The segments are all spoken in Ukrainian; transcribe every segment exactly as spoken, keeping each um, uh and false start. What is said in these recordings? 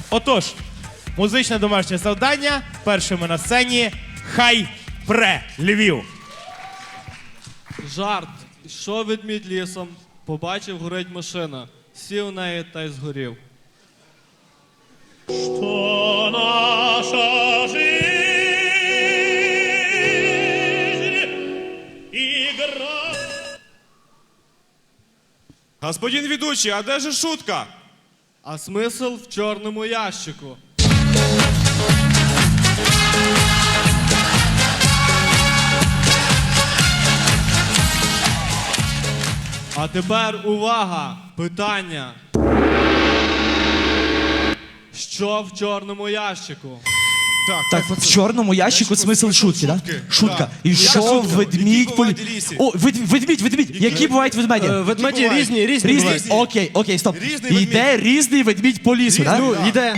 Отож, музичне домашнє завдання. Першими на сцені Хай Пре Львів. Жарт. Йшов ведмідь лісом, побачив, горить машина. Сів в неї та й згорів. Что наша жизнь игра. Господин ведучий, а де же шутка? А смисл в чорному ящику. А тепер увага! Питання. Що в чорному ящику? Так, Так, в чорному ящику смисл шутки, да? Шутка. І що ведмідь... полі- О, вед- ведмідь, ведмідь. Які бувають ведмеді? Ведмеді бувають? різні, різні Різні? бувають. Окей, окей, стоп. Різний ведмідь. Йде різний ведмідь по лісу, так? Ну, йде.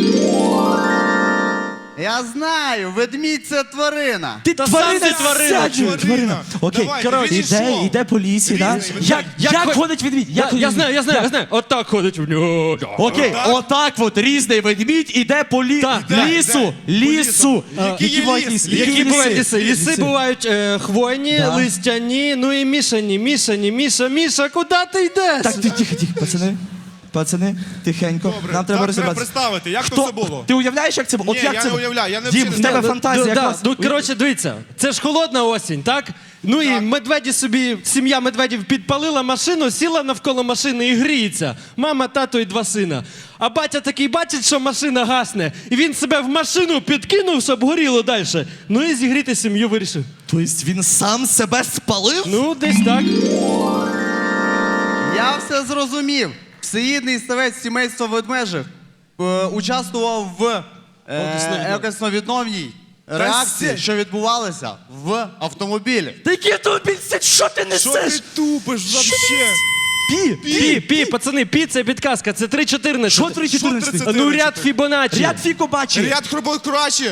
Я знаю, ведмідь це тварина. Ти Та тварина, сам ти тварина. сядь, Тварина. тварина. Окей, Давай, коротше, ведмідь іде, що? іде по лісі, да? Різний Як, Як як хо- ходить ведмідь? Як Я, ходить я ведмідь? знаю, я знаю, Як? я знаю. Отак ходить в нього. Окей, отак от різний ведмідь іде по лі... Так, лісу, лісу. Який є бувають ліс? ліси? Які бувають ліси? Ліси бувають е, хвойні, Да. листяні, ну і мішані. Мішані, Міша, Міша, куди ти йдеш? Так, ти- тихо, тихо, пацани. Пацани, тихенько. Добре, Нам треба так розібратися. представити, як Хто? то це було? Ти уявляєш, як це було? Ні, От як я це не було? уявляю, я не Дім, вчений. в тебе Да, фантазія да, якраз. Ну, коротше, дивіться, це ж холодна осінь, так? Ну і Так. медведі собі, сім'я медведів підпалила машину, сіла навколо машини і гріється. Мама, тато і два сина. А батя такий бачить, що машина гасне, і він себе в машину підкинув, щоб горіло далі. Ну і зігріти сім'ю вирішив. Тобто він сам себе спалив? Ну, десь так. Я все зрозумів. Всеїдний ставець сімейства ведмежих е, участвував в е, екосновідновній реакції, що відбувалася в автомобілі. Та який автомобіль? Це що ти Що несеш? ти тупиш вообще? Пі, Пі, пі, пацани, пі, це підказка, це три чотирнадцять. Що три чотирнадцять? Що Ну, ряд Фібоначчі. Ряд фіко бачив. Ряд хробой кращі.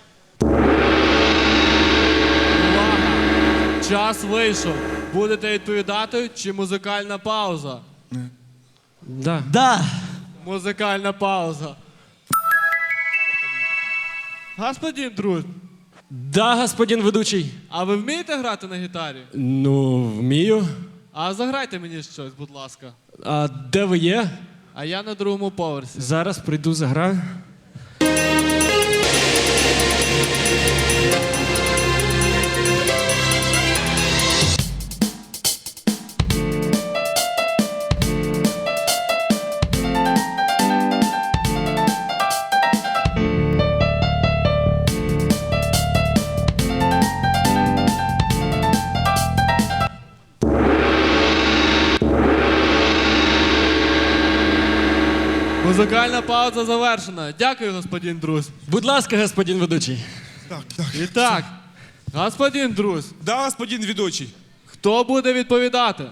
Увага! Час вийшов. Будете відповідати чи музикальна пауза? Да. Да. Музикальна пауза. Господин друг, Да, господин ведучий. а ви вмієте грати на гітарі? Ну, вмію. А заграйте мені щось, будь ласка. А де ви є? А я на другому поверсі. Зараз прийду заграю. Музикальна пауза завершена. Дякую, господин друз. Будь ласка, господин ведучий. Так, так. І так, господин друз, Да, господин ведучий. хто буде відповідати?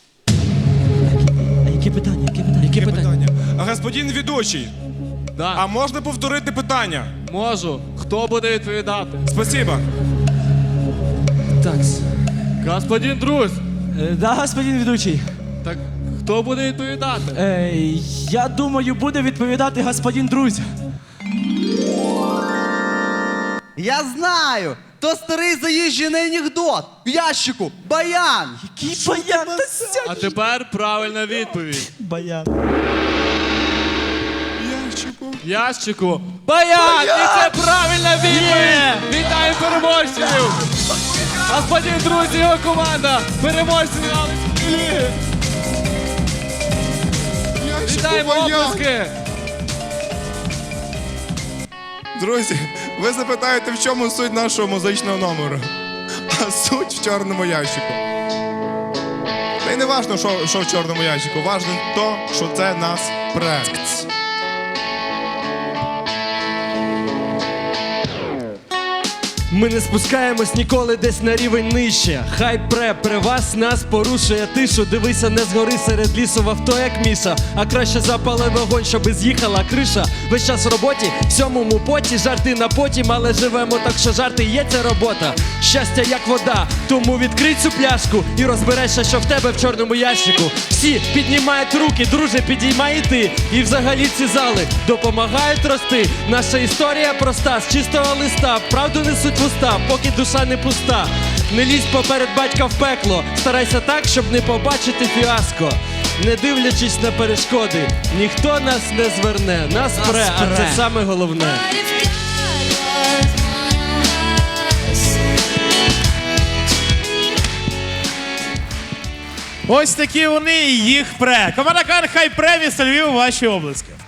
А які питання? Які питання? Які Є питання? питання. А господин ведучий, Да, а можна повторити питання? можу. Хто буде відповідати? Спасибо. Так. Господин друз, Е, Да, господин ведучий. так хто буде відповідати? Е, я думаю, буде відповідати господин друзь. Я знаю! То старий заїжджений анекдот. В ящику. Баян. Який баян? Та сядь. А тепер правильна відповідь. Баян. Ящику. Ящику. Баян! І це правильна відповідь! Вітаю переможців! Господин друзі, його команда! Переможці Галицької ліги! Вітаємо оплески! Друзі, ви запитаєте, в чому суть нашого музичного номеру. А суть в чорному ящику. Та й не важно, що, що в чорному ящику. Важно то, що це нас пре. Ми не спускаємось ніколи десь на рівень нижче. Хай пре, при вас нас порушує тишу. Дивися, не згори серед лісу в авто, як міша. А краще запали вогонь, щоби з'їхала криша. Весь час в роботі, в сьомому поті, жарти на потім, але живемо так, що жарти є ця робота. Щастя як вода, тому відкрий цю пляшку і розберешся, що в тебе в чорному ящику. Всі піднімають руки, друже, підіймай і ти. І взагалі ці зали допомагають рости. Наша історія проста, з чистого листа. Правду несуть в уста, поки душа не пуста. Не лізь поперед батька в пекло. Старайся так, щоб не побачити фіаско. Не дивлячись на перешкоди, ніхто нас не зверне. Нас пре, а це саме головне. Ось такі вони і їх пре. Команда Кан Хай Пре, місто Львів, ваші обласки.